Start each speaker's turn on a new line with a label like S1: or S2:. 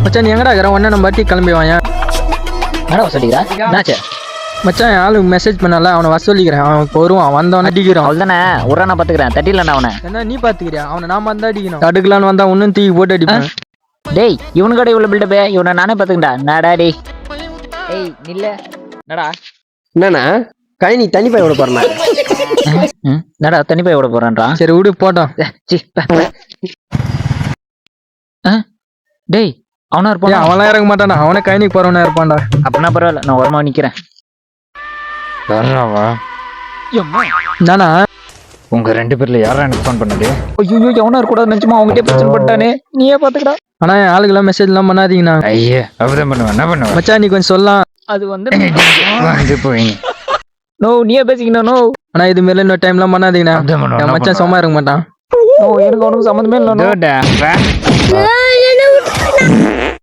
S1: மச்சான் நீ எங்கடா இருக்கிற உடனே நம்ம பாட்டி கிளம்பி வாங்க.
S2: என்னடா சொல்லிக்கிறா என்னாச்சு?
S1: மச்சான் என் ஆளுக்கு மெசேஜ் பண்ணல, அவனை வர சொல்லிக்கிறேன். அவன் இப்போ வருவான், வந்தவன அடிக்கிறான்.
S2: அவள் தானே ஒரு நான் பார்த்துக்கிறேன், தட்டிடலண்ணா அவனை.
S1: என்ன நீ பாத்துக்கிறியா? அவனை நாம தான் அடிக்கணும். தடுக்கலான்னு வந்தா ஒன்னும் தூக்கி போட்டு அடிப்பேன்.
S2: டேய் இவனுக்கட இவ்வளோ பில்டப்பே, இவனை நானே பார்த்துக்கிட்டா. நடா டேய் ஏய் நில்ல நடா.
S3: என்னண்ணா கழனி தண்ணி போய் விட போறேன்.
S2: நடா தண்ணி போய் விட போறான்றான்.
S1: சரி விடு போட்டோம்.
S2: டேய் அவனா இருப்பான்.
S1: அவன்லாம் இறங்க மாட்டானா, அவனே கைனிக்கு போறவனா இருப்பான்டா.
S2: அப்படின்னா பரவாயில்ல, நான் ஓரமா நிக்கிறேன்.
S1: நானா
S4: உங்க 2 பேர்ல யாரா எனக்கு ஃபோன் பண்ணுது?
S2: ஐயோ எவனா இருக்கக்கூடாது நினைச்சுமா, அவங்ககிட்ட பிரச்சனை பண்ணிட்டானே. நீயே பாத்துக்கடா.
S1: ஆனா என் ஆளுக்கெல்லாம் மெசேஜ் எல்லாம் பண்ணாதீங்கண்ணா.
S4: ஐயே அப்படிதான் பண்ணுவேன். என்ன பண்ணுவேன்?
S1: மச்சான் நீ கொஞ்சம் சொல்லலாம்.
S2: அது வந்து
S4: வந்து போய்
S2: நோ நீயே பேசிக்கணும். நோ
S1: ஆனா இது மாரி இன்னொரு டைம்லாம் பண்ணாதீங்கண்ணா.
S4: அப்படிதான் பண்ணுவேன்.
S1: என் மச்சான் சும்மா இருக்க மாட்டான்.
S2: நோ எனக்கு அவனுக்கு சம்மந்தமே இல்லை.
S4: டோடா